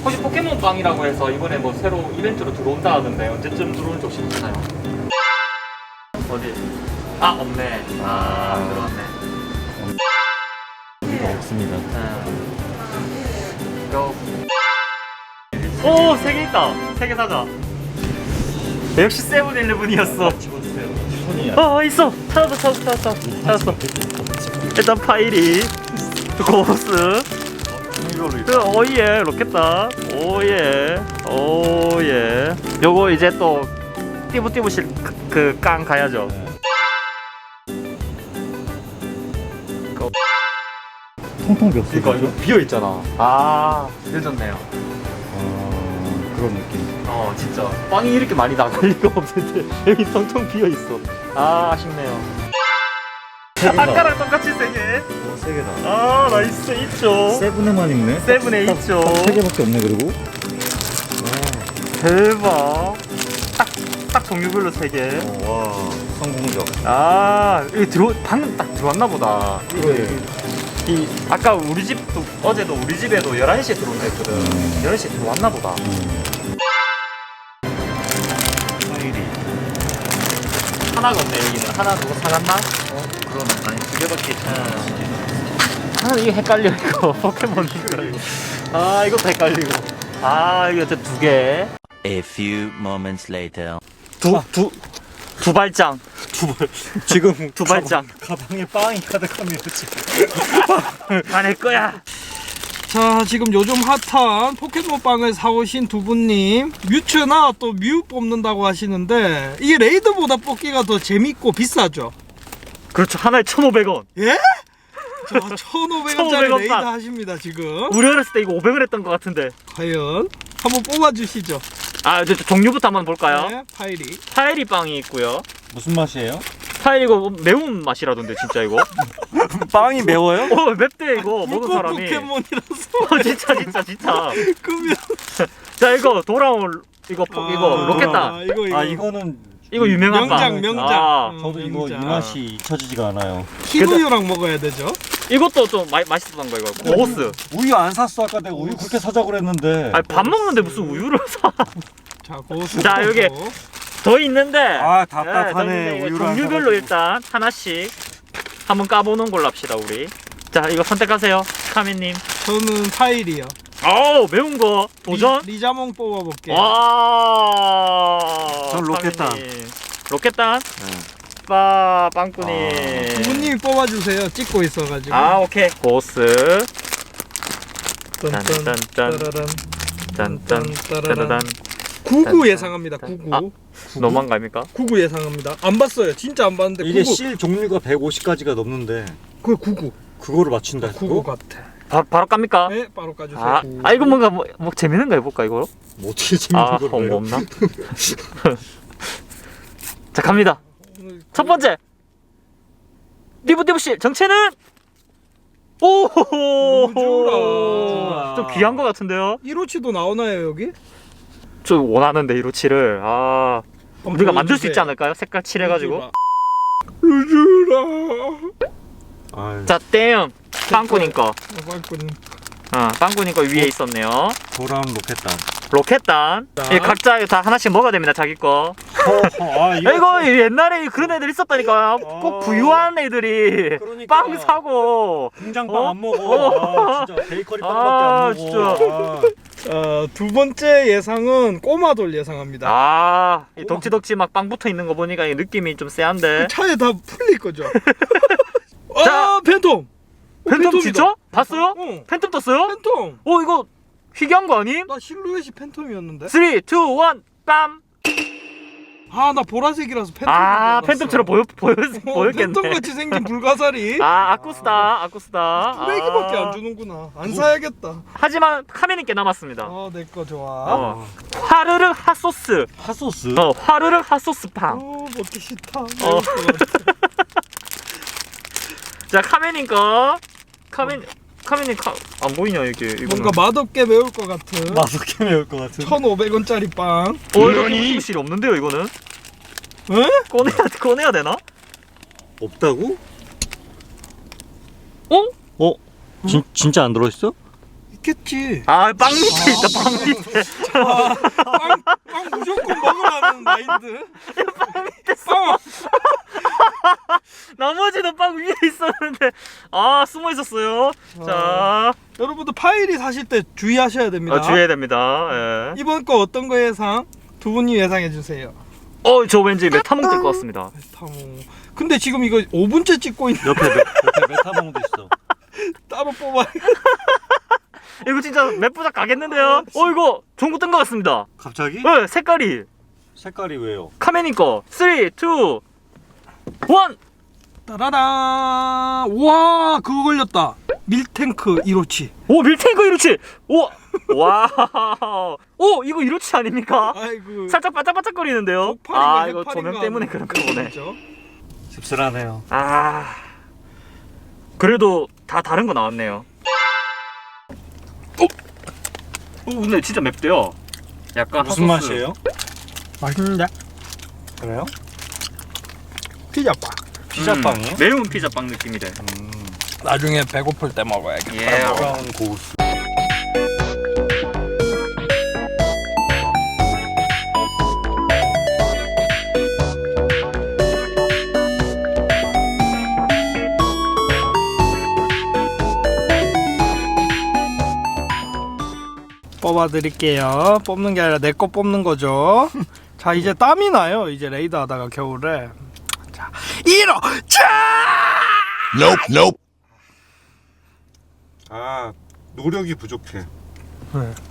혹시 포켓몬빵이라고 해서 이번에 뭐 새로 이벤트로 들어온다 하던데 언제쯤 들어올지 혹시 아시나요? 어디? 아 없네. 아 들어왔네. 없습니다. 오! 3개 있다! 3개 사자. 역시 세븐일레븐이었어. 집어주세요. 손이 있어! 찾았어. 일단 파이리, 고스, 오예, 로켓단, 오예. 요거 이제 또 띠부띠부실 그 깡 가야죠. 통통 몇 이거 비어있잖아. 아, 늦었네요. 그런 느낌. 진짜 빵이 이렇게 많이 나갈 리가 없는데 여기 텅텅 비어있어. 아, 아쉽네요. 아까랑 똑같이 3개. 세 개다. 아, 나이스. 있죠. 세븐에만 있네. 세븐에 있죠. 세 개밖에 없네 그리고. 대박. 딱 종류별로 3개. 와 성공적. 아, 이거 방금 딱 들어왔나 보다. 이 아까 우리 집도 어제도 우리 집에도 11시에 들어온다 했거든. 11시에 들어왔나 보다. 파일이. 하나가 없네 여기는. 하나 누가 사갔나? 그러네. 아니 2개밖에. 이게 헷갈려 이거. 포켓몬 헷갈리고. 이것도 헷갈리고. 이거 저 2개. A few moments later. 두 발장. 지금 두 발장. 가방에 빵이 가득합니다 지금. 다 내 거야. 자, 지금 요즘 핫한 포켓몬빵을 사오신 두 분님, 뮤츠나 또 뮤 뽑는다고 하시는데 이게 레이드보다 뽑기가 더 재밌고 비싸죠? 그렇죠. 하나에 1,500원. 예? 자, 1,500원짜리 1,500원 레이드 빵. 하십니다 지금. 우리 어렸을 때 이거 500원 했던 것 같은데. 과연 한번 뽑아주시죠. 이제 종류부터 한번 볼까요? 네, 파이리. 파이리 빵이 있고요. 무슨 맛이에요? 파이리 이거 매운 맛이라던데 진짜 이거. 빵이 매워요? 맵대 이거 먹은 물고 사람이. 포켓몬이라서 진짜. 끄면. 자 이거 돌아올 이거 로켓단. 이거는 이거 유명한 빵. 명장. 저도 이거 이 명장. 맛이 잊혀지지가 않아요. 키우유랑 먹어야 되죠. 이것도 좀 맛있었던 거 이거. 고스. 우유 안 샀어 아까 내가 우유 그렇게 사자 그랬는데. 밥 먹는데 무슨 우유를 사? 자, 고수. 자, 여기. 더 있는데. 답답하네. 더 있는데 이거 우유를 안 종류별로 사가지고. 일단 하나씩 한번 까보는 걸로 합시다 우리. 자 이거 선택하세요 카미님. 저는 파이리요. 매운 거 도전. 리자몽 뽑아볼게요. 전 로켓단. 카미님. 로켓단. 빵꾸님. 두 분님이 뽑아주세요. 찍고 있어가지고. 오케이. 고스. 딴딴 짠짠짠. 짠짠. 따라란. 짜라단. 99 예상합니다. 99. 너무한 거 아닙니까? 99 예상합니다. 안 봤어요. 진짜 안 봤는데. 이게 99. 실 종류가 150가지가 넘는데 그거 99. 그거를 맞춘다. 99 같아. 바로 깝니까? 네, 바로 까주세요. 이거 뭔가 뭐 재밌는 거 해볼까 이거? 뭐 어떻게 재밌는 걸 뭐 해요? 없나? 자 갑니다. 첫 번째 띠부띠부씨 정체는 루즈라. 좀 귀한 거 같은데요? 1호치도 나오나요 여기? 저 원하는데 이로치를 우리가 만들 수 있지 보여주세요. 않을까요? 색깔 칠해가지고. 루즈라. 자 땡 빵꾸님 거. 빵꾸님. 빵꾸님 거 위에 있었네요. 돌아온 로켓단. 로켓단. 자. 이 각자 다 하나씩 먹어야 됩니다 자기 거. 이거 옛날에 그런 애들 있었다니까. 꼭 부유한 애들이 그러니까. 빵 사고. 공장빵 안 먹어. 진짜 베이커리 빵밖에 안 먹어. 두 번째 예상은 꼬마돌 예상합니다. 이 덕지덕지 막 빵 붙어 있는 거 보니까 이 느낌이 좀 세한데. 차에 다 풀릴 거죠. 자. 팬텀. 팬텀 진짜? 봤어요? 응. 팬텀 떴어요? 팬텀. 이거 희귀한 거 아님? 나 실루엣이 팬텀이었는데. 3, 2, 1, 빰! 나 보라색이라서 팬텀. 팬텀처럼 보였겠네. 팬텀 같이 생긴 불가사리. 아쿠스타. 쓰레기밖에 안 주는구나. 안 사야겠다. 하지만 카메님께 남았습니다. 내 거 좋아. 화르르 핫소스. 핫소스? 화르르 핫소스 빵. 먹기 싫다. 자, 카메님 거. 카메님 안 보이냐 이게? 뭔가 맛없게 매울 것 같은. 맛없게 매울 것 같은. 1,500원짜리 빵. 이거 띠부띠부실이 없는데요 이거는? 에? 꺼내야 되나? 없다고? 어? 진짜 안 들어있어? 있겠지. 아, 빵 밑에 있다, 빵 밑에. 빵 무조건 먹으라는 마인드. 빵 밑에 빵. 나머지는 빵 위에 있었는데, 아, 숨어 있었어요. 자, 여러분들 파일이 사실 때 주의하셔야 됩니다. 주의해야 됩니다. 예. 이번 거 어떤 거 예상? 두 분이 예상해 주세요. 저 왠지 메타몽 뜰 것 같습니다. 메타몽. 근데 지금 이거 5분째 찍고 있는 옆에 메타몽도 있어. 따로 뽑아. 이거 진짜 몇 부작 가겠는데요? 이거 전구 뜬 것 같습니다. 갑자기? 네, 색깔이. 색깔이 왜요? 카메님 거. 3, 2, 1. 따라란. 와, 그거 걸렸다. 밀탱크 1호치. 오, 밀탱크 이로치. 오, 와우. 오, 이거 이로치 아닙니까? 아이고. 살짝 바짝바짝거리는데요. 독팔인가 이거 해팔인가 조명 때문에 하는 그런가 보네. 거죠? 씁쓸하네요. 그래도 다 다른 거 나왔네요. 근데 진짜 맵대요. 약간 무슨 핫소스. 맛이에요? 맛있는데? 그래요? 피자빵. 피자빵이요? 매운 피자빵 느낌이래. 나중에 배고플 때 먹어야겠다. 예. 브라운 고수. 뽑아드릴게요. 뽑는 게 아니라 내 거 뽑는 거죠. 자, 이제 땀이 나요. 이제 레이더 하다가 겨울에. 자, 1호! 자! Nope, nope. 아, 노력이 부족해. 네.